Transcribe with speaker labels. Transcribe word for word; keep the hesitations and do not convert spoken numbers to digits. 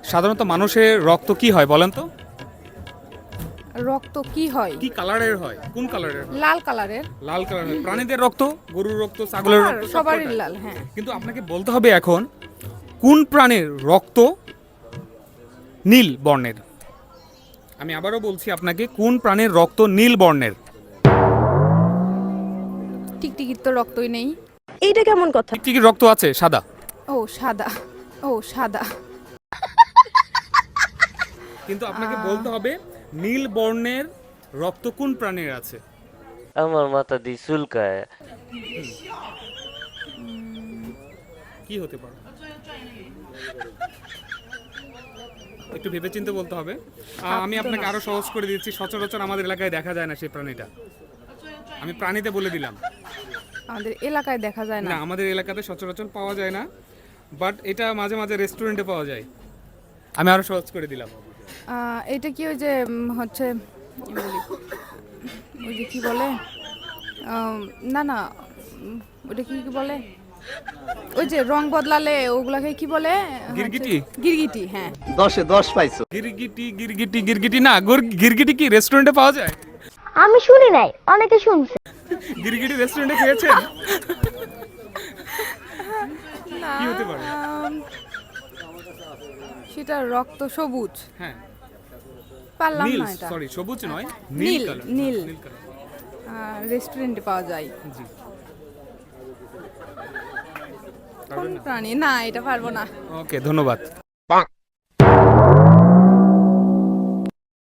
Speaker 1: সাধারণত মানুষের রক্ত কি হয় বলেন তো?
Speaker 2: রক্ত কি হয়?
Speaker 1: কি কালারের হয়? কোন কালারের হয়?
Speaker 2: লাল কালারের।
Speaker 1: লাল কালারের। প্রাণীদের রক্ত, গরুর রক্ত, ছাগলের
Speaker 2: সবার-
Speaker 1: রক্ত
Speaker 2: সবারই
Speaker 1: সবকটাই।
Speaker 2: লাল, হ্যাঁ।
Speaker 1: কিন্তু আপনাকে বলতে হবে এখন কোন প্রাণীর রক্ত নীল বর্ণের। আমি আবারও বলছি আপনাকে, কোন প্রাণীর রক্ত নীল বর্ণের?
Speaker 2: টিকটিকির তো রক্তই নেই।
Speaker 3: এইটা কেমন কথা?
Speaker 1: টিকটিকির রক্ত আছে সাদা।
Speaker 2: ও সাদা, ও সাদা।
Speaker 1: কিন্তু আপনাকে বলতে হবে নীল বর্ণের রক্ত কোন প্রাণীর আছে।
Speaker 4: আমার মাথা দিয়ে চুলকায়।
Speaker 1: কি হতে পারে? একটু ভেবেচিন্তে বলতে হবে। আহ, আমি আপনাকে আরো সহজ করে দিচ্ছি, সচরাচর আমাদের এলাকায় দেখা যায় না সেই প্রাণীটা। আমি প্রাণীতে বলে দিলাম।
Speaker 2: আমাদের এলাকায় দেখা যায়
Speaker 1: না,
Speaker 2: না।
Speaker 1: আমাদের এলাকাতে সচরাচর পাওয়া যায় না, বাট এটা মাঝে মাঝে রেস্টুরেন্টে পাওয়া যায়। আমি আরো সহজ করে দিলাম।
Speaker 2: আহ, এটা কি ওই যে উম, হচ্ছে কি বলি? ওই যে কি বলে আম, না না উম, ওটা কি কি বলে, ওই যে রং বদলালে ওগুলাকে কি বলে?
Speaker 1: গিরগিটি?
Speaker 2: হচ্ছে- গিরগিটি, হ্যাঁ।
Speaker 5: দশে দশ পাইছো।
Speaker 1: গিরগিটি গিরগিটি গিরগিটি না, গোর- গিরগিটি কি রেস্টুরেন্টে পাওয়া যায়?
Speaker 6: আমি শুনি নাই, অনেকে শুনছে।
Speaker 1: গিরগিটি রেস্টুরেন্টে খেয়েছেন?
Speaker 2: না,
Speaker 1: কি হতে পারে?
Speaker 2: আম, সেটা রক্ত সবুজ।
Speaker 1: হ্যাঁ,
Speaker 2: পারলাম
Speaker 1: নীল,
Speaker 2: না এটা।
Speaker 1: সরি সবুজ নয়,
Speaker 2: নীল,
Speaker 1: নীল কালার।
Speaker 2: নীল।
Speaker 1: নীল কালার।
Speaker 2: রেস্টুরেন্টে পাওয়া যায়।
Speaker 1: জি।
Speaker 2: কোন প্রাণী? না, এটা পারবো না।
Speaker 1: ওকে, ধন্যবাদ।